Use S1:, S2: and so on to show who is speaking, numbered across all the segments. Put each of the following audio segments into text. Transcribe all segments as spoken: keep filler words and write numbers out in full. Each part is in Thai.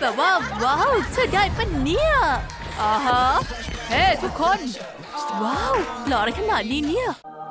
S1: แบบว่าว้าวเชื่อได้ปะเนี่ยอ่าฮะเฮ้ทุกคนว้าวหล่ออะไรขนาดนี้เนี่ย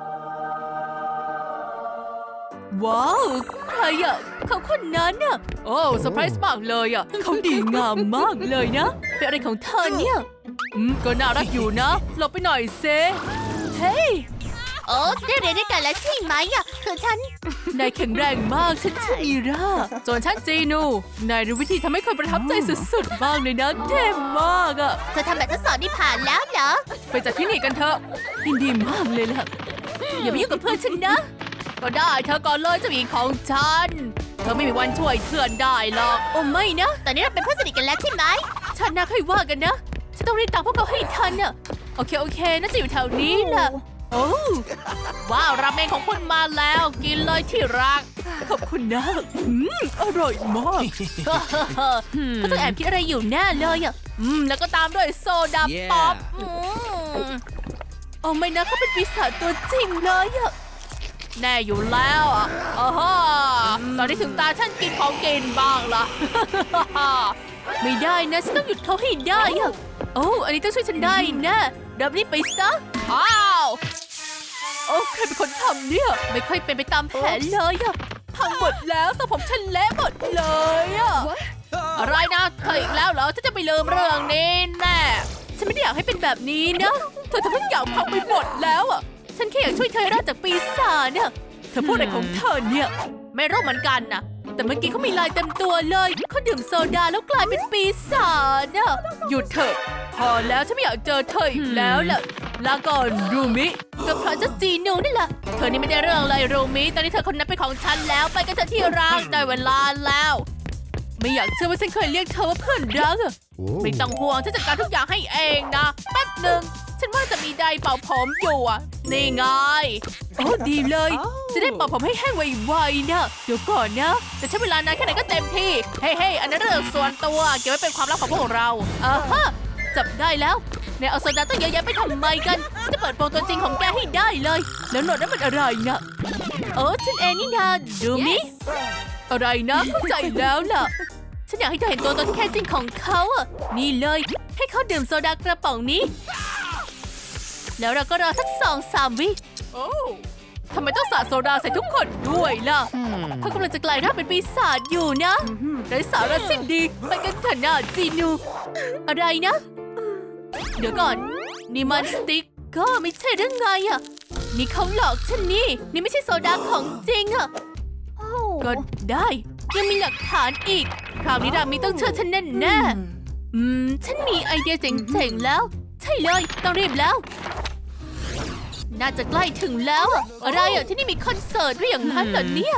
S1: ว้าวใครอะเขาคนนั้นอะโอ้เซอร์ไพรส์มากเลยอะเขาดีงามมากเลยนะเป็นอะไรของเธอเนี่ยอืมก็น่ารักอยู่นะหลบไปหน่อยเซเฮ้ย
S2: โอ้ได้เรียนด้วยกันแล้วใช่ไหมอ่ะคือฉัน
S1: นายแข็งแรงมากฉันชื่อมีราส่วนฉันจีนูนายรู้วิธีทำให้คนประทับใจสุดๆบ้างเลยนะเท่มากอะ
S2: เธอทำแบบทดสอบนี่ผ่านแล้วเหรอ
S1: ไปจากที่นี่กันเถอะยินดีมากเลยล่ะอย่าไปยุ่งกับเพื่อนฉันนะก็ได้เธอก่อนเลยเจ้าหญิงของฉันเธอไม่มีวันช่วยเพื่อนได้หรอกโอ้ไม่นะ
S2: ตอนนี้เราเป็นเพื่อนสนิทกันแล้วใช่ไหม
S1: ฉันน่าค่อยว่ากันนะฉันต้องรีบตามพวกเขาให้ทันน่ะโอเคโอเคน่าจะอยู่แถวนี้แหละโอ้ว้าวราเมงของคุณมาแล้วกินเลยที่รักขอบคุณนะอืมอร่อยมากเขาต้องแอบคิดอะไรอยู่แน่เลยอ่ะอืมแล้วก็ตามด้วยโซดาป๊อปโอ้ไม่นะเขาเป็นปีศาจตัวจริงเลยอ่ะแน่อยู่แล้วอ่ะอ๋อตอนนี้ถึงตาฉันกินของกินบ้างละไม่ได้นะฉันต้องหยุดเขาให้ได้อ่ะโอ้อันนี้ต้องช่วยฉันได้นะดับรีบไปซะอ้าวโอ้ใครเป็นคนทำเนี่ยไม่ค่อยเป็นไปตามแผนเลยอะพังหมดแล้วสมผมฉันเละหมดเลยอะอะไรนะเธออีกแล้วเหรอฉันจะไปลืมเรื่องนี้แน่ฉันไม่ได้อยากให้เป็นแบบนี้นะเธอทำทุกอย่างพังไปหมดแล้วอะฉันแค่อยากช่วยเธอรอดจากปีศาจเนี่ยเธอพูดอะไรของเธอเนี่ยไม่รู้เหมือนกันนะแต่เมื่อกี้เขามีลายเต็มตัวเลยเขาดื่มโซดาแล้วกลายเป็นปีศาจน่ะหยุดเถอะพอแล้วฉันไม่อยากเจอเธออีกแล้วล่ะลาก่อนรูมิกับพระเจ้าจีนูนี่แหละเธอนี่ไม่ได้เรื่องเลยรูมิตอนนี้เธอคนนั้นเป็นของฉันแล้วไปกันเถอะที่รักได้เวลาแล้วไม่อยากเชื่อว่าฉันเคยเรียกเธอว่าเพื่อนรักอะไม่ต้องห่วงฉันจัดการทุกอย่างให้เองนะแป๊บหนึ่งฉันว่าจะมีไดร์เป่าผมอยู่อ่ะนี่ไงโอ้ดีเลยจะได้เป่าผมให้แห้งไวๆนะเดี๋ยวก่อนนะจะใช้เวลานานแค่ไหนก็เต็มที่เฮ้ยๆอันนั้นเรื่องส่วนตัวเก็บไว้เป็นความลับของพวกเราอ่าฮะจับได้แล้วเนี่ยเอาโซดาตั้งเยอะแยะไปทำไมกันฉันจะเปิดโปงตัวจริงของแกให้ได้เลยแล้วหนวดนั้นมันอะไรนะเออฉันเองนี่นาดูมิอะไรนะเข้าใจแล้วล่ะฉันอยากให้เธอเห็นตัวตนที่แท้จริงของเขาอ่ะนี่เลยให้เขาดื่มโซดากระป๋องนี้แล้วเราก็รอสักสองสามวิโอ้ทำไมต้องสาดโซดาใส่ทุกคนด้วยล่ะเขากำลังจะกลายร่างเป็นปีศาจอยู่นะไร้สาระสิ้นดีไปกันเถอะนะจีนูอะไรนะเดี๋ยวก่อนนี่มันสติ๊กก็ไม่ใช่เรื่องไงอ่ะนี่เขาหลอกฉันนี่นี่ไม่ใช่โซดาของจริงอ่ะก็ได้ยังมีหลักฐานอีกคราวนี้รามีต้องเชื่อฉันแน่แน่อืมฉันมีไอเดียเจ๋งๆแล้วใช่เลยต้องรีบแล้วน่าจะใกล้ถึงแล้วอะอะไรอ่ะที่นี่มีคอนเสิร์ตด้วยอย่างนั้นเหรอเนี่ย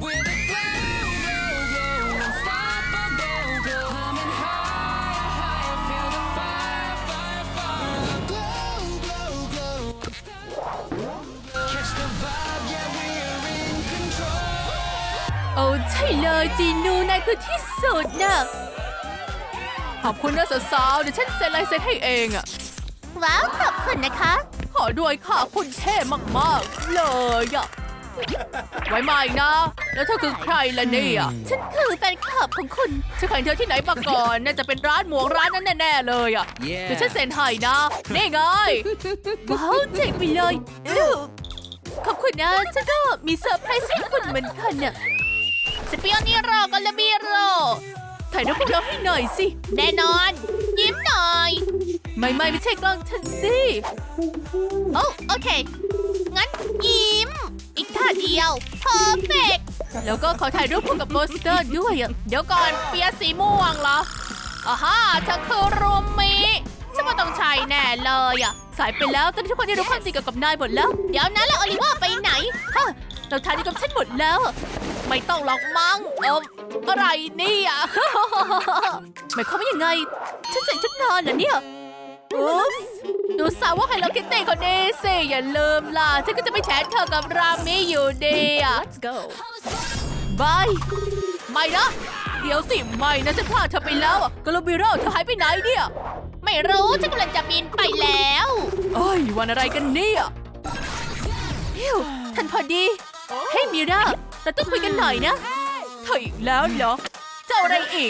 S1: โอ้ใช่เลยจีนูนายคือที่สุดน่ะขอบคุณนะสาวๆเดี๋ยวฉันเซ็นลายเซ็นให้เองอะ
S2: ว้าวขอบคุณนะคะ
S1: ขอด้วยค่ะคุณเท่มากๆเลยอะไว้มาอีกนะแล้วเธอคือใครล่ะเนี่ย
S2: ฉันคือแฟนคลับของคุณ
S1: ฉันเคยเห็นเธอที่ไหนมาก่อนน่าจะเป็นร้านหมวกร้านนั้นแน่ๆเลยอะเดี๋ยวฉันเซ็นให้นะนี่ไงว้าวเจ๋งไปเลยขอบคุณนะฉันก็มีเซอร์ไพรส์ให้คุณเหมือนกันน่ะ
S2: สเปียนี่รอกันละมีรอ
S1: ถ่ายรูปพวกเราให้หน่อยสิ
S2: แน่นอนยิ้มหน่อย
S1: ไม่ไม่ไม่ใช่กล้องฉันสิ
S2: โอ้โอเคงั้นยิ้มอีกท่าเดียวเพอร์เฟกต์
S1: แล้วก็ขอถ่ายรูปคู่กับโปสเตอร์ด้วยอ่ะ
S2: เดี๋ยวก่อนเปียสีม่วงเหรออ่าฮะเธอคือรูมิฉันว่าต้องใช่แน่เลยอ่ะ
S1: สายไปแล้วตอนนี้ทุกคนได้รู้ความจริงเกี่ยวกับนายหมดแล้ว
S2: เดี๋ยวนะแล้วโอลิเวอร์ไปไหน
S1: ฮะเราทานนี้กับฉันหมดแล้ว
S2: ไม่ต้องหรอกมั้งเอออะไรนี่อ่ะ
S1: หมายความว่ายังไงฉันใส่ชุดนอนเหรอเนี่ยอุ๊บดูสาวว่าไฮโลคิตตี้คนนี้สิอย่าลืมล่ะฉันก็จะไปแชทเธอกับรามิอยู่ดีอ่ะ
S2: Let's go
S1: บายไม่นะเดี๋ยวสิไม่นะฉันพลาดเธอไปแล้วอ่ะกาโลบิโร่เธอหายไปไหนเนี่ย
S2: ไม่รู้ฉันกำลังจะบินไปแล้ว
S1: เอ้ยวันอะไรกันเนี่ยฮิวทันพอดีเฮ้ยมิราเราต้องคุยกันหน่อยนะเธออีกแล้วเหรอเจ้าอะไรอีก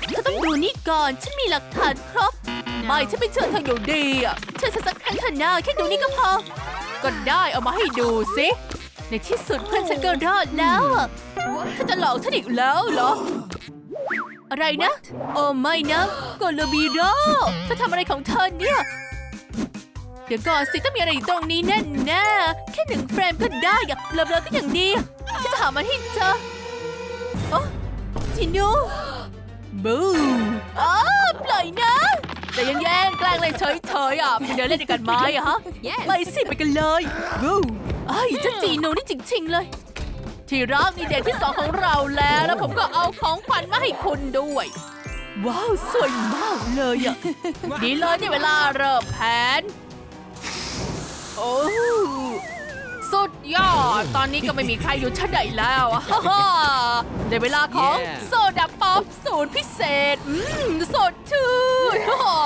S1: เธอต้องดูนี่ก่อน ฉันมีหลักฐานครบ ไม่ฉันไม่เชื่อเธออยู่ดีอ่ะเชื่อฉันสักครั้งเถอะนะแค่ดูนี่ก็พอ ก็ได้เอามาให้ดูสิ ในที่สุดเพื่อนฉันก็รอดแล้วอะเธอจะหลอกฉันอีกแล้วเหรอ อะไรนะ โอ้ไม่นะโกโลบีโร่เธอทำอะไรของเธอเนี่ย เดี๋ยวก่อนสิต้องมีอะไรอยู่ตรงนี้แน่แน่ๆแค่หนึ่งเฟรมก็ได้อะเบลอๆก็อย่างดีฉันจะหามันให้เจอโอ้จินูบูอ้าปล่อยนะแต่ยังแย่งแกล้งเลยเฉยๆอ่ะไปเดินเล่นด้วยกันไหมอะฮะ ไปสิไปกันเลยบูไอ้เจ้าจีนูนี่จริงๆเลย ที่รักนี่เดทที่สองของเราแล้วแล้วผมก็เอาของขวัญมาให้คุณด้วย ว้าวสวยมากเลยอ่ะ ดีเลยนี่เวลาเริ่มแผน โอ้สุดยอด ตอนนี้ก็ไม่มีใครอยู่ชั้นใดแล้วอะ ฮ่าฮ่าได้เวลาของ
S3: Yeah
S1: โซดาป๊อปสูตรพิเศษ อืมสดชื่น ฮ่าฮ่า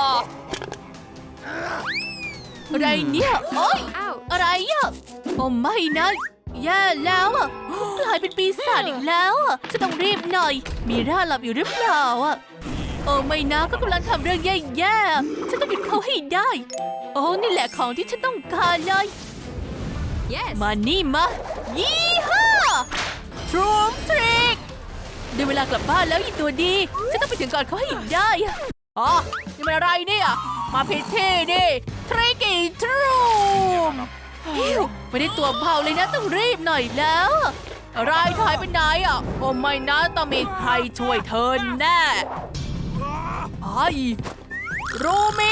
S1: อะไรเนี่ยโอ๊ยอะไรอ่ะโอ้ไม่นะแย่แล้วอ่ะกลายเป็นปีศาจอีกแล้วอ่ะจะต้องรีบหน่อย มีร่าหลับอยู่หรือเปล่าอ่ะโอ้ไม่นะก็กำลังทำเรื่องแย่ๆฉันต้องหยุดเขาให้ได้ โอ้นี่แหละของที่ฉันต้องการเลย
S2: yes
S1: มานี่มายี่ห้าทรูมทริกได้เวลากลับบ้านแล้วอีตัวดีฉันต้องไปถึงก่อนเขาให้ได้อะอ๋อนี่มันอะไรเนี่ยมาผิดที่ดิทริกกี้ทรูมฮิวไม่ได้ตัวเบาเลยนะต้องรีบหน่อยแล้วอะไรเธอหายไปไหนอ่ะโอ้ไม่นะต้องมีใครช่วยเธอแน่ไอ้รูมิ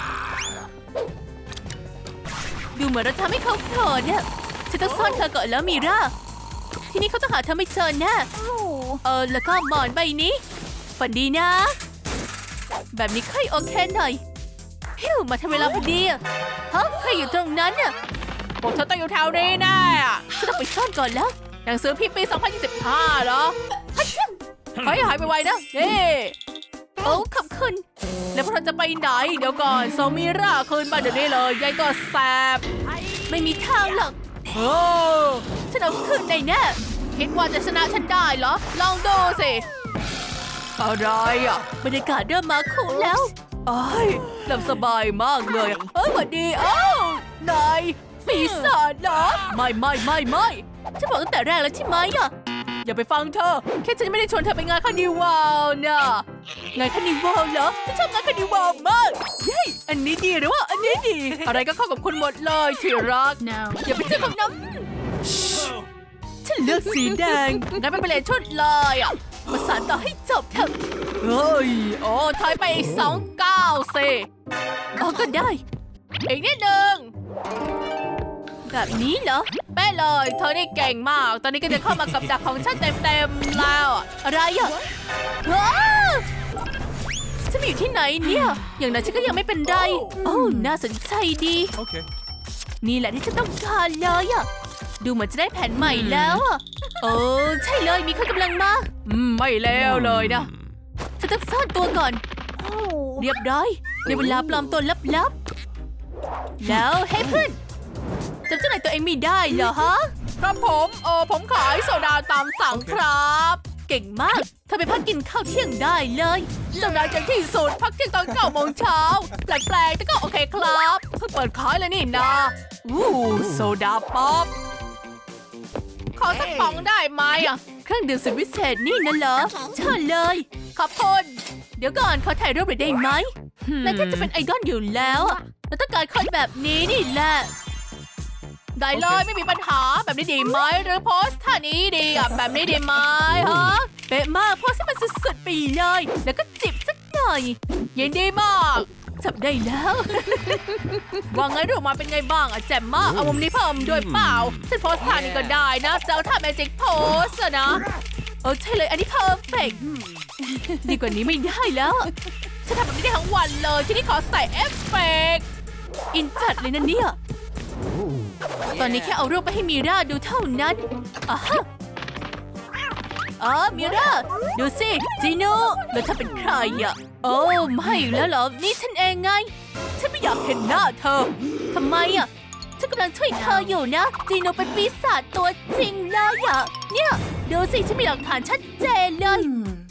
S1: ดูเหมือนเราทำให้เขาโกรธเนี่ยฉันต้องซ่อนเธอก่อนแล้วมีร่าทีนี้เขาต้องหาเธอไม่เจอแน่เออแล้วก็หมอนใบนี้ฝันดีนะ แบบนี้ค่อยโอเคหน่อยฮิวมาทำเวลาพอดีอะฮะใครอยู่ตรงนั้นน่ะพวกเธอต้องอยู่แถวนี้แน่อะฉันต้องไปซ่อนก่อนแล้วหนังสือพิมพ์ปี สองพันยี่สิบห้า เหรอฮัชชิขอให้หายไปไวนะนี่โอ้ขอบคุณแล้วพวกเราจะไปไหนเดี๋ยวก่อนโซมิราคืนมาเดี๋ยวนี้เลยยายก็แสบไม่มีทางหรอกโอ้ฉันเอาคืนได้แน่คิดว่าจะชนะฉันได้เหรอลองดูสิอะไรอ่ะบรรยากาศเริ่มมาคุ้มแล้วไอ้ยหลับสบายมากเลยเอ้ยสวัสดีเอ้านายปีศาจเหรอไม่ไม่ไม่ไม่ฉันบอกตั้งแต่แรกแล้วใช่ไหมอ่ะอย่าไปฟังเธอแค่ฉันไม่ได้ชวนเธอไปงานคาร์นิวัลน่ะงานคาร์นิวัลเหรอฉันชอบงานคาร์นิวัลมากเย้อันนี้ดีหรือว่าอันนี้ดี อะไรก็เข้ากับคุณหมดเลยที่รัก
S2: no
S1: อย่าไปเจอกับน้ำฉันเลือกสีแดงงั้นไม่เป็นไรชุดเลยอ่ะมาสานต่อให้จบเถอะเฮ้ยโอ้ถอยไปอีกสองก้าวสิอ๋อก็ได้อีกนิดนึงแบบนี้เหรอแป้เลยเธอนี่เก่งมากตอนนี้ก็จะเข้ามากับดักของฉันเต็มๆแล้วอะอะไรอ่ะว้าวฉันมาอยู่ที่ไหนเนี่ยอย่างนั้นฉันก็ยังไม่เป็นไรโอ้น่าสนใจดี
S3: Okay.
S1: นี่แหละที่ฉันต้องการเลยอ่ะดูเหมือนจะได้แผนใหม่แล้วอ่ะโอ้ใช่เลยมีคนกำลังมาอืมไม่แล้วเลยนะฉันต้องซ่อนตัวก่อนเรียบร้อยในเวลาปลอมตัวลับๆแล้วเฮ้ยเพื่อนจำเจ้าไหนตัวเองไม่ได้เหรอฮะครับผมเออผมขายโซดาตามสั่งครับเก่งมากเธอไปพักกินข้าวเที่ยงได้เลยเจ้านายเจ๋งที่สุดพักเที่ยงตอนเก้าโมงเช้าแปลกๆแต่ก็โอเคครับเพิ่งเปิดขายเลยนี่นะอู้โซดาป๊อปขอสักป๋องได้ไหมอ่ะเครื่องดื่มสุดวิเศษนี่นั่นเหรอเชิญเลยขอบคุณเดี๋ยวก่อนขอถ่ายรูปหน่อยได้ไหมนายแค่จะเป็นไอดอลอยู่แล้วอะเราต้องการคนแบบนี้นี่แหละได้เลยไม่มีปัญหาแบบนี้ดีไหมหรือโพสท่านี้ดีอ่ะแบบนี้ดีไหมฮะเป๊ะมากโพสให้มันสุดๆไปเลยแล้วก็จิบสักหน่อยยินดีมากจับได้แล้ว ว่าไงรูปมาเป็นไงบ้างอ่ะแจ่มมากเอามุมนี้เพิ่มด้วยเปล่าฉันโพสท่านี้ก็ได้นะเจ้าท่าแมจิกโพสอะนะเออใช่เลยอันนี้เพอร์เฟกต์ดีกว่านี้ไม่ได้แล้วฉันทำแบบนี้ได้ทั้งวันเลยที่นี่ขอใส่เอฟเฟกต์อินจัดเลยนะเนี่ยตอนนี้แค่เอารูปไปให้มีร่าดูเท่านั้นอ่ะฮะอ๋อมีร่าดูสิจีโน่แล้วเธอเป็นใครอ่ะโอ้ไม่แล้วเหรอนี่ฉันเองไงฉันไม่อยากเห็นหน้าเธอทำไมอ่ะฉันกำลังช่วยเธออยู่นะจีโน่เป็นปีศาจตัวจริงเลยอ่ะเนี่ยดูสิฉันมีหลักฐานชัดเจนเลย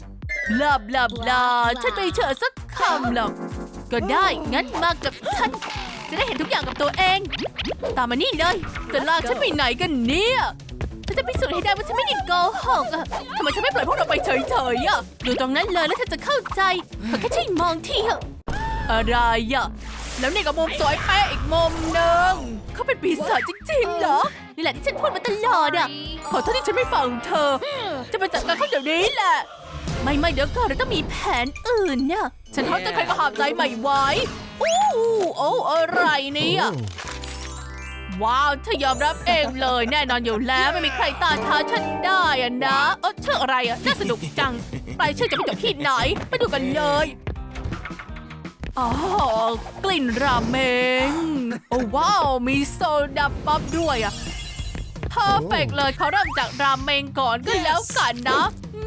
S1: บลาบลาบลาฉันไม่เชื่อสักคำหรอกก็ได้งั้นมากับฉันจะได้เห็นทุกอย่างกับตัวเองตามมานี่เลยจะลากฉันไปไหนกันเนี่ยฉันจะพิสูจน์ให้ได้ว่าฉันไม่ได้โกหกอะทำไมฉันไม่ปล่อยพวกเราไปเฉยๆอะดูตรงนั้นเลยแล้วเธอจะเข้าใจขอแค่ช่วยมองทีเถอะอะไรอะแล้วนี่ก็มุมสวยเป๊ะอีกมุมหนึ่งเขาเป็นปีศาจจริงๆเหรอนี่แหละที่ฉันพูดมาตลอดอะขอโทษที่ฉันไม่ฟังเธอจะไปจัดการเขาเดี๋ยวนี้แหละไม่ไม่เดี๋ยวก่อนเราต้องมีแผนอื่นเนี่ยฉันท้อจะใครก็หามใจไม่ไหวอู้โอ้อะไรเนี่ยว้าวเธอยอมรับเองเลยแน่นอนอยู่แล้วไม่มีใครต้านทานฉันได้อะนะเออชื่ออะไรอะน่าสนุกจังไปชื่อจะไปจบที่ไหนไปดูกันเลยอ๋อกลิ่นราเมงโอ้ว้าวมีโซดาป๊อปด้วยอะเพอร์เฟกเลยเขาเริ่มจากราเมงก่อนก็แล้วกันนะ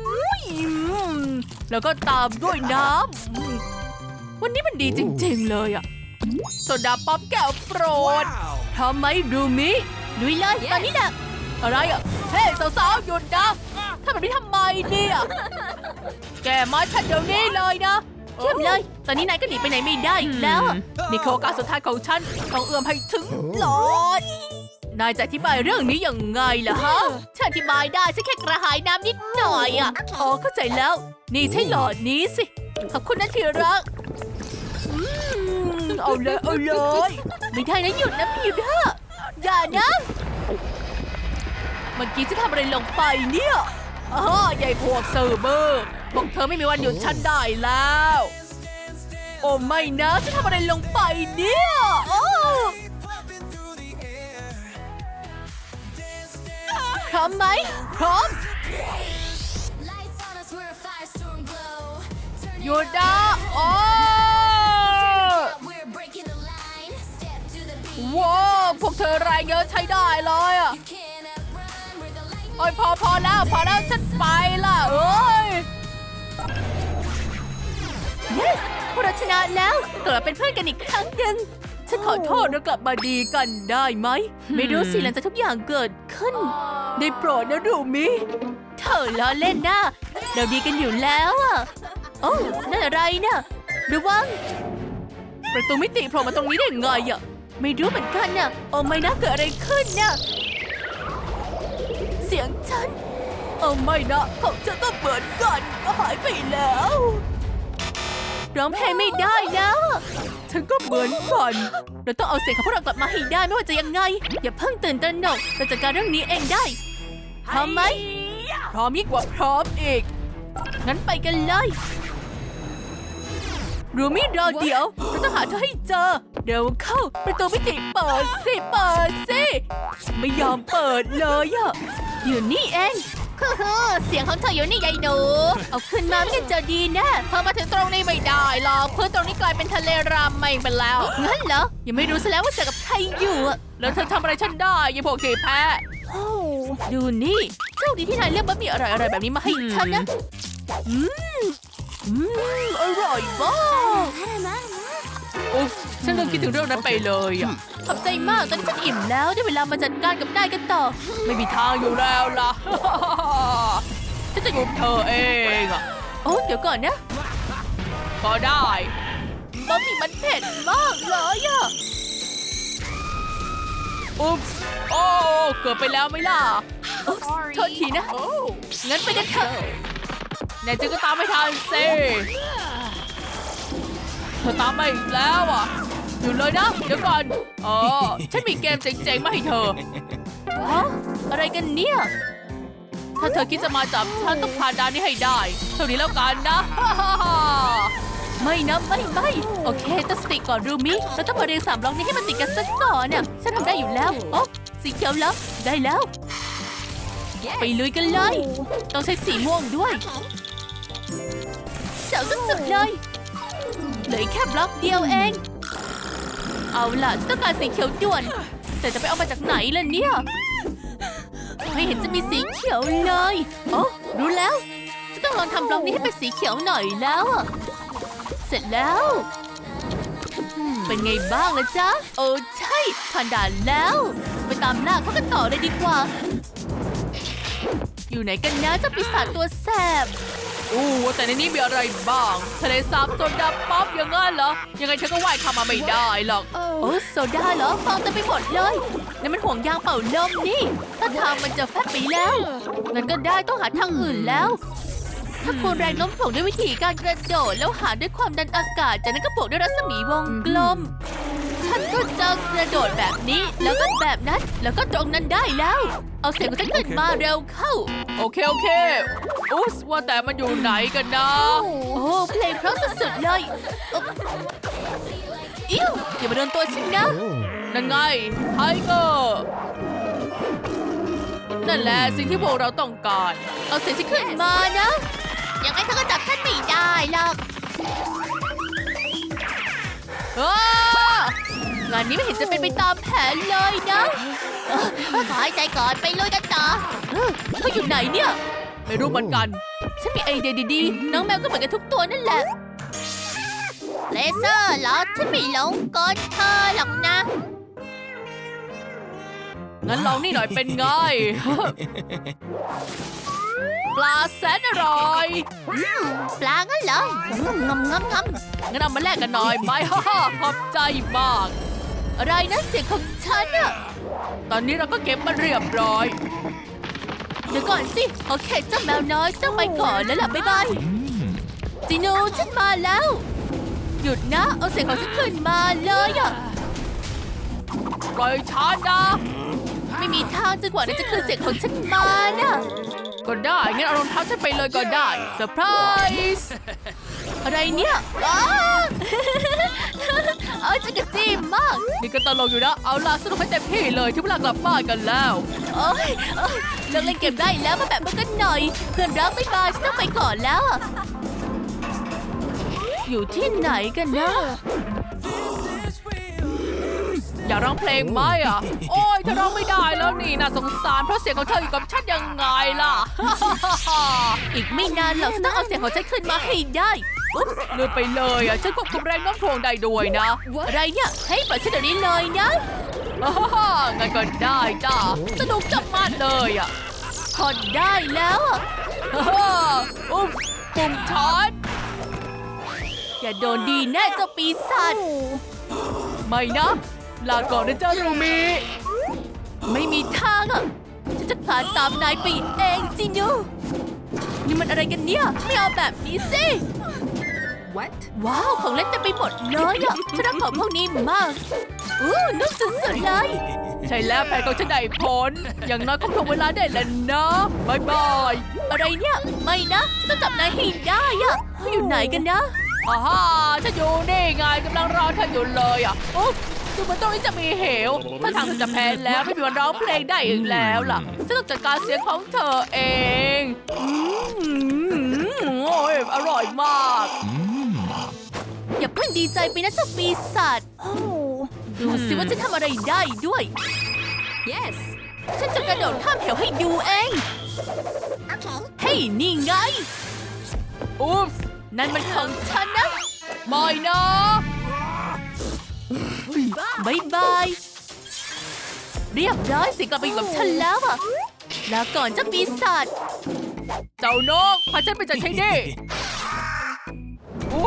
S1: แล้วก็ตามด้วยน้ำวันนี้มันดีจริงๆเลยอะโซดาป๊อปแก้วโปรดทำไหมดูมิลุยเลยตอนนี้นะอะไรอะเฮ้สาวๆหยุดนะทำแบบนี้ทำไมเนี่ยแกมาฉันเดี๋ยวนี้เลยนะเทียบเลยตอนนี้นายก็หนีไปไหนไม่ได้แล้วนี่คือโอกาสสุดท้ายของฉันต้องเอื้อมให้ถึงหลอดนายจะอธิบายเรื่องนี้ยังไงล่ะฮะฉันอธิบายได้ฉันแค่กระหายน้ำนิดหน่อยอ่ะอ๋อเข้าใจแล้วนี่ใช่หลอดนี้สิขอบคุณนะที่รักอืมเอาเลยเอาเลยไม่ได้นะหยุดนะพี่เด้ออย่านะเมื่อกี้จะทำอะไรลงไปเนี่ยอ๋อใหญ่พวกเซิร์ฟเวอร์บอกเธอไม่มีวันหยุดฉันได้แล้วโอ้ไม่นะฉันทำอะไรลงไปเนี่ยโอ้พร้อมไหมพร้อมหยุดนะโอ้ว้าวพวกเธอแรงเยอะใช้ได้เลยอ่ะโอ้ยพอพอแล้วพอแล้วฉันไปละเอ้ย yes พวกเราชนะแล้วกลับเป็นเพื่อนกันอีกครั้งหนึ่งฉันขอโทษเรากลับมาดีกันได้ไหมไม่รู้สิหลังจากทุกอย่างเกิดขึ้นได้โปรดนะรูมิเธอล้อเล่นนะเราดีกันอยู่แล้วอ่ะโอ้นั่นอะไรนะระวังประตูมิติโผล่มาตรงนี้ได้ไงอ่ะไม่รู้เหมือนกันน่ะโอ้ไม่นะเกิดอะไรขึ้นน่ะเสียงฉันโอ้ไม่นะของฉันก็เหมือนกันหายไปแล้วร้องเพลงไม่ได้แล้วฉันก็เหมือนกันเราต้องเอาเสียงของพวกเรากลับมาให้ได้ไม่ว่าจะยังไงอย่าเพิ่งตื่นตระหนกเราจัดการเรื่องนี้เองได้พร้อมไหมพร้อมยิ่งกว่าพร้อมอีกงั้นไปกันเลยรูมี่รอเดี๋ยวเราต้องหาเธอให้เจอเดี๋ยวเข้าประตูมิติเปิดสิเปิดสิไม่ยอมเปิดเลยอะอยู่นี่เองคือเสียงของเธออยู่นี่ยายหนูเอาขึ้นมาไม่จะดีนะพอมาถึงตรงนี้ไม่ได้หรอกเพื่อตรงนี้กลายเป็นทะเลรามไม่ไปแล้วงั้นเหรอยังไม่รู้ซะแล้วว่าเจอกับใครอยู่อะแล้วเธอทำอะไรฉันได้ยายพวกขี้แพ้ดูนี่โชคดีที่นายเลือกบะหมี่อร่อยๆแบบนี้มาให้ฉันนะอืมอืมอร่อยมากอุ๊บฉันลืมคิดถึงเรื่องนั้นไปเลยอ่ะขอบใจมากตอนนี้ฉันอิ่มแล้วได้เวลามาจัดการกับนายกันต่อไม่มีทางอยู่แล้วล่ะ ฉันจะอยู่กับเธอเองอ่ะโอ้เดี๋ยวก่อนนะก็ได้บะหมี่มันเผ็ดมากเลยอ่ะอุ๊บโอ้เกือบไปแล้วไหมล่ะอุ๊บโทษทีนะงั้นไปกันเถอะแน่จริงก็ตามไม่ทันสิเธอตามมาอีกแล้วอ่ะอยู่เลยนะเดี๋ยวก่อนอ๋อฉันมีเกมเจ๋งๆมาให้เธอฮะอะไรกันเนี่ยถ้าเธอคิดจะมาจับฉันต้องผ่านด่านนี้ให้ได้เท่านี้แล้วกันนะ ไม่นะไม่ไม่โอเคตั้งสติก่อนรูมิเราต้องมาเรียงสามบล็อกนี้ให้มันติดกันสักก่อนเนี่ยฉันทำได้อยู่แล้วโอ้สีเขียวแล้วได้แล้วไปลุยกันเลยต้องใช้สีม่วงด้วยเจ๋งสุดๆเลยเหลือแค่บล็อกเดียวเองเอาล่ะฉันต้องการสีเขียวด่วนแต่จะไปเอามาจากไหนล่ะเนี่ยไม่เห็นจะมีสีเขียวเลยโอ้รู้แล้วฉันต้องลองทำบล็อกนี้ให้เป็นสีเขียวหน่อยแล้วเสร็จแล้วเป็นไงบ้างล่ะจ๊ะโอ้ใช่ผ่านด่านแล้วไปตามล่าเขากันต่อเลยดีกว่าอยู่ไหนกันนะเจ้าปีศาจตัวแสบอู้แต่ในนี้มีอะไรบ้างทะเลสาบโซดาป๊อปอย่างงั้นเหรอยังไงเธอก็ว่ายข้ามมาไม่ได้หรอกโอ้โซดาเหรอฟองเต็มไปหมดเลยนี่มันห่วงยางเป่าลมนี่ถ้าทางมันจะแฟบไปแล้วงั้นก็ได้ต้องหาทางอื่นแล้วถ้าคูณแรงโน้มถ่วงด้วยวิธีการกระโดดแล้วหารด้วยความดันอากาศจากนั้นก็บวกด้วยรัศมีวงกลมฉันก็จะกระโดดแบบนี้แล้วก็แบบนั้นแล้วก็ตรงนั้นได้แล้วเอาเสียงของฉันขึ้นมาเร็วเข้าโอเคโอเคอุ๊สว่าแต่มันอยู่ไหนกันนะโอ้เพลงเพราะสุดๆเลยอิ้วอย่ามาโดนตัวฉันนะนั่นไงไทเกอร์นั่นแหละสิ่งที่พวกเราต้องการเอาเสียงฉันขึ้นมานะยังไงเธอก็จับฉันไม่ได้หรอกงานนี้ไม่เห็นจะเป็นไปตามแผนเลยนะขอหายใจก่อนไปลุยกันต่อเขาอยู่ไหนเนี่ยไม่รู้เหมือนกันฉันมีไอเดียดีๆน้องแมวก็เหมือนกันทุกตัวนั่นแหละเลเซอร์เหรอฉันไม่หลงกลเธอหรอกนะงั้นลองนี่หน่อยเป็นไง ปลาแสนอร่อยปลางั้นเหรองำงำงำงำงั้นเอามาแลกกันหน่อยไหม ฮ่าฮ่าขอบใจมากอะไรนะเสียงของฉันอะตอนนี้เราก็เก็บมาเรียบร้อยเดี๋ยวก่อนสิโอเคเจ้าแมวน้อยเจ้าไปก่อนแล้วล่ะบ๊ายบายจีโน่ฉันมาแล้วหยุดนะเอาเสียงของฉันขึ้นมาเลยอะปล่อยฉันนะไม่มีทางจนกว่านั้นจะคืนเสียงของฉันมานะก็ได้งั้นเอารองเท้าฉันไปเลยก็ได้เซอร์ไพรส์อะไรเนี่ยอ้าเอาจะกระจี้มากนี่ก็ตลกอยู่นะเอาล่ะสนุกให้เต็มที่เลยที่เวลากลับบ้านกันแล้วโอ้ยเลิกเล่นเกมได้แล้วมาแบบมันกันหน่อยเพื่อนรักไม่มาฉันต้องไปก่อนแล้วอยู่ที่ไหนกันนะอยากร้องเพลงไหมอ่ะโอ้ยเธอร้องไม่ได้แล้วนี่น่าสงสารเพราะเสียงของเธออยู่กับฉันยังไงล่ะ อีกไม่นานหรอกฉันต้องเอาเสียงของฉันขึ้นมาให้ได้อุ๊บลืมไปเลยอ่ะฉันควบคุมแรงโน้มถ่วงได้ด้วยนะอะไรเนี่ยให้ปล่อยฉันเดี๋ยวนี้เลยนะฮ่างั้นก็ได้จ้าสนุกจับมาเลยอ่ะพอได้แล้วอ่ะฮ่าอุ๊บปุ่มช้อนอย่าโดนดีแน่เจ้าปีศาจไม่นะลาก่อนนะเจ้ารูมิไม่มีทางอ่ะฉันจะผ่านตามนายไปเองจินูนี่มันอะไรกันเนี่ยไม่เอาแบบนี้สิ
S3: What?
S1: ว้าวของเล่นเต็มไปหมดเลยอ่ะฉันรักของพวกนี้มากอู้นุ่มสุดๆเลยใช่แล้วแผนของฉันได้ผลอย่างน้อยก็ทวงเวลาได้แล้วนะบายบายอะไรเนี่ยไม่นะฉันต้องจับนายให้ได้อ่ะเขาอยู่ไหนกันนะอ่าฮ่าฉันอยู่นี่ไงกำลังรอเธออยู่เลยอ่ะโอ้ดูเหมือนตรงนี้จะมีเหวถ้าทางเธอจะแพ้แล้วไม่มีวันร้องเพลงได้อีกแล้วล่ะฉันต้องจัดการเสียงของเธอเองอืมโอ้ยอร่อยมากอย่าเพิ่งดีใจไปนะเจ้าปีศาจดูสิว่าจะทำอะไรได้ด้วย
S3: Yes.
S1: ฉันจะกระโดดข้ามเหวให้ดูเองเฮ้ยนี่ไงอุ๊บนั่นมันของฉันนะไม่นะบายบายเรียบร้อยสิกลับไปอยู่กับฉันแล้วอะลาก่อนเจ้าปีศาจเจ้านกพาฉันไปจากที่นี่โอ้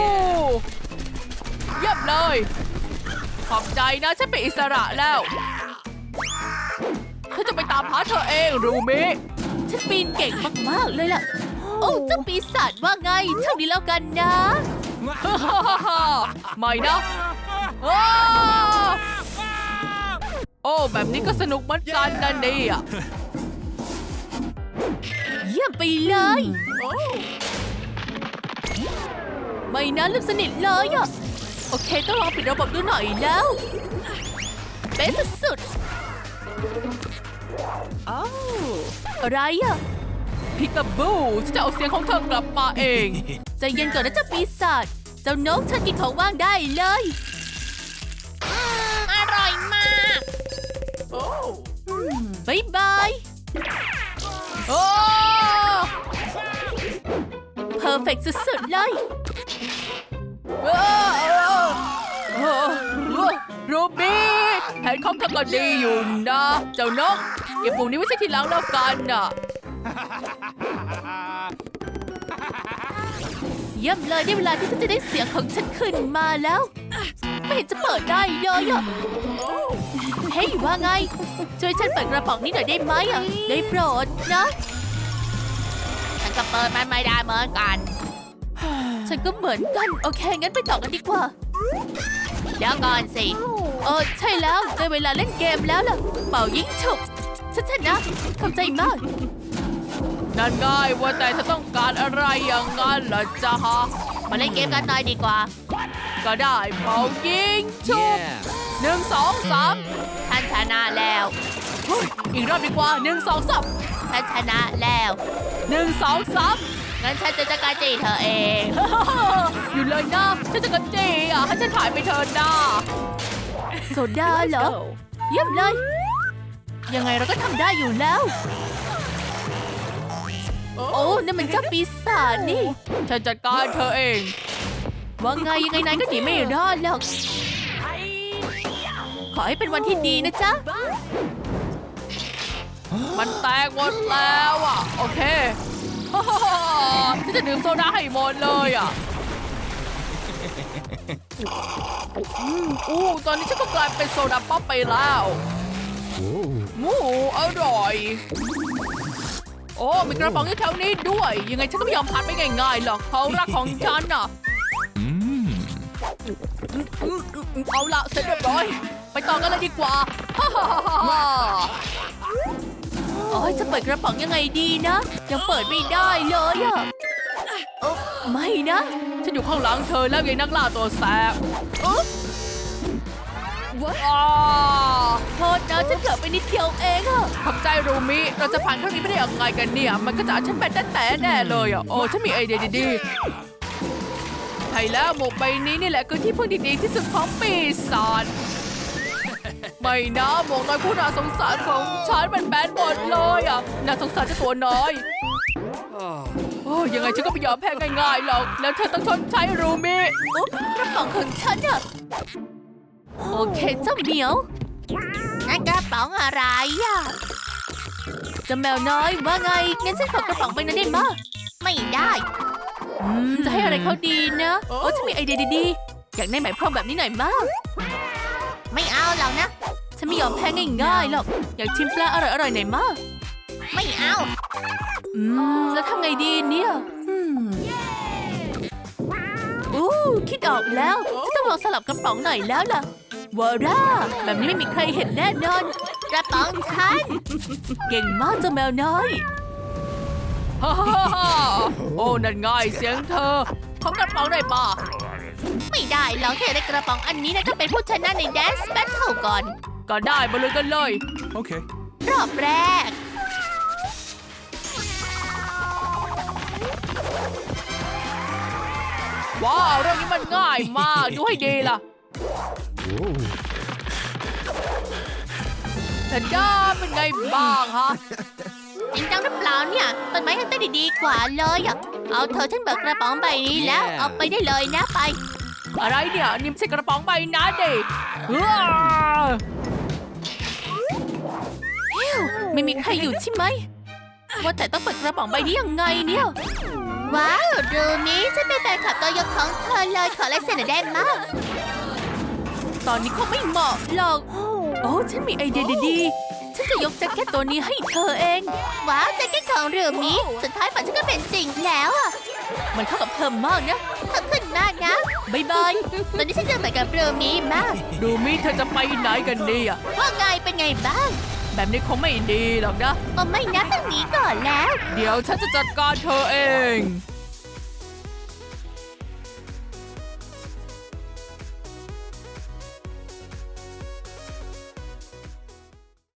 S1: เยี่ยมเลยขอบใจนะฉันเป็นอิสระแล้วฉันจะไปตามหาเธอเองรูมิฉันปีนเก่งมากๆเลยล่ะโอ้เจ้าปีศาจว่าไงเท่านี้แล้วกันนะไม่นะโอ้แบบนี้ก็สนุกเหมือนกันนะเนี่ยเยี่ยมไปเลยไม่นะลืมสนิทเลยอ่ะโอเคต้องลองปิดระบบดูหน่อยแล้วเป๊ะสุดๆอ้าวอะไรอ่ะพิกาบูฉันจะเอาเสียงของเธอกลับมาเองใจเย็นก่อนนะเจ้าปีศาจเจ้านกฉันกินของว่างได้เลย
S2: อร่อยมาก
S1: บายบายโอ้เพอร์เฟกต์สุดๆเลยรูบี้แผนของเธอก็ดีอยู่นะเจ้านกเก็บปุ่มนี้ไว้ใช้ทีหลังแล้วกันน่ะเยี่ยมเลยได้เวลาที่ฉันจะได้เสียงของฉันขึ้นมาแล้ว ไม่เห็นจะเปิดได้เลยอ่ะเฮ้ยว่าไง ช่วยฉันเปิดกระป๋องนี้หน่อยได้ไหมอ่ะได้โปรดนะ
S2: ฉันก็เปิดมันไม่ได้เหมือนกัน
S1: ฉันก็เหมือนกัน โอเค งั้นไปต่อกันดีกว่า
S2: เดี๋ยวก่อนสิ
S1: เออใช่แล้วได้เวลาเล่นเกมแล้วล่ะ เป่ายิงฉุบฉันชนะขอบใจมาก
S2: นั่นง่ายว่าแต่เธอต้องการอะไรอย่างนั้นเหรอจ๊ะฮะมาเล่นเกมกันหน่อยดีกว่า
S1: ก็ได้เป่ายิงฉุบ
S4: Yeah.
S1: หนึ่งสองสาม
S2: ท่านชนะแล้ว
S1: เฮ้ยอีกรอบดีกว่าหนึ่งสองสาม
S2: ท่านชนะแล้ว
S1: หนึ่งสองสาม
S2: งั้นฉันจะจัดการจีเธอเอง
S1: อยู่เลยนะฉันจะกระเจีอ่ะให้ฉันถ่ายไปเธอหน้าโซดาเหรอ เยี่ยมเลย ยังไงเราก็ทำได้อยู่แล้ว โอ้นั่นมันเจ้าปีศาจนี่ ฉันจัดการเธอเอง ว่าไงยังไงนายก็หนีไม่รอดหรอก ขอให้เป็นวันที่ดีนะจ๊ะ มันแตกหมดแล้วอ่ะ โอเค ฉันจะดื่มโซดาให้หมดเลยอ่ะ อืมอู้ตอนนี้ฉันก็กลายเป็นโซดาป๊อปไปแล้วหมูอร่อย โอ้มีกระป๋องอยู่แถวนี้ด้วย ยังไงฉันก็ไม่ยอมพัดไปง่ายๆหรอกเขารักของฉันน่ะ
S4: Mmm.
S1: อืมอืมอืมเอาละเสร็จเรียบร้อย ไปต่อกันเลยดีกว่า ฮ่าฮ่าฮ่าฮ่าโอ้ยจะเปิดกระป๋องยังไงดีนะ ยังเปิดไม่ได้เลยอะเอ้อไม่นะ ฉันอยู่ข้างหลังเธอแล้วไงนักล่าตัวแสบอุ๊บว้าโทษนะฉันเกือบไปนิดเดียวเองอะขอบใจรูมิ เราจะผ่านครั้งนี้ไม่ได้ยังไงกันเนี่ย มันก็จะเอาฉันเป็นแต่แต่แน่เลยอะโอ้ฉันมีไอเดียดีๆใช่แล้วหมวกใบนี้นี่แหละคือที่พึ่งดีๆที่สุดของปีศาจ ไม่นะหมวกน้อยผู้น่าสงสารของฉันมันแบนหมดเลยอ่ะน่าสงสารเจ้าตัวน้อยโอ้ยังไงฉันก็ไม่ยอมแพ้ง่ายๆหรอกแล้วเธอต้องชดใช้รูมิอุ๊บกระป๋องของฉันอ่ะโอเคเจ้าเหมียว
S2: นั่นกระป๋องอะไรอ่ะ
S1: เจ้าแมวน้อยว่าไงงั้นฉันขอกระป๋องไปนั้นได้มั้ย
S2: ไม่ได้
S1: อืมจะให้อะไรเขาดีนะโอ้ฉันมีไอเดียดีๆอยากได้ไหมพรมแบบนี้หน่อยมั้ย
S2: ไม่เอาหรอกนะ
S1: ฉันไม่ยอมแพ้ง่ายๆหรอกอยากชิมปลาอร่อยๆหน่อยมั้ย
S2: ไม่เอา
S1: อืมแล้วทำไงดีเนี่ยอู้คิดออกแล้วจะต้องลองสลับกระป๋องหน่อยแล้วล่ะวาร่าแบบนี้ไม่มีใครเห็นแน่นอน
S2: กระป๋องฉัน
S1: เก่งมากเจ้าแมวน้อยฮ่าฮ่าฮ่าโอ้นั่นง่ายเสียงเธอขอกระป๋องหน่อยป่ะ
S2: ไม่ได้หรอกแค่ได้กระป๋องอันนี้นะต้องเป็นผู้ชนะใน Dance Battle ก่อน
S1: ก็ได้มาเลยกันเลย
S4: Okay.
S2: รอบแรก
S1: ว้าวเรื่องนี้มันง่ายมากดูให้ดีล่ะ
S4: Whoa.
S1: แต่ด้าเป็นไงบ้างฮะ
S2: จริงจังหรือเปล่าเนี่ยต้นไม้ยังเต้นดีๆกว่าเลยอ่ะ เอาเธอฉันเบิกกระป๋องใบนี้แล้ว
S4: Yeah.
S2: เอาไปได้เลยนะไป
S1: อะไรเนี่ยนิ่มใส่กระป๋องใบนั้นดิว้าฮิวไม่มีใครอยู่ใช่ไหมว่าแต่ต้องเปิดกระป๋องใบนี้ยังไงเนี่ย
S2: ว้าวรูนี้ฉันเป็นแฟนคลับตัวยงของเธอเลยขอลายเซ็นหน่อยได้มาก
S1: ตอนนี้เขาไม่เหมาะหรอก โอ้ฉันมีไอเดียดีๆ ฉันจะยกแจ็คเก็ตตัวนี้ให้เธอเอง
S2: ว้าวแจ็คเก็ตของรูนี้สุดท้ายฝันฉันก็เป็นจริงแล้วอ่ะ
S1: มันเข้ากับเธอมากนะ
S2: ขอบคุณมากนะ
S1: บายบาย
S2: ตอนนี้ฉันจะเหมือนกับรูนี้มาก
S1: ดูมิเธอจะไปไหนกันเนี่ย
S2: ว่าไงเป็นไงบ้าง
S1: แบบนี้คงไม่ดีหรอกนะ
S2: โอ้ไม่นะต้องหนีก่อนแล้ว
S1: เดี๋ยวฉันจะจัดการเธอเอง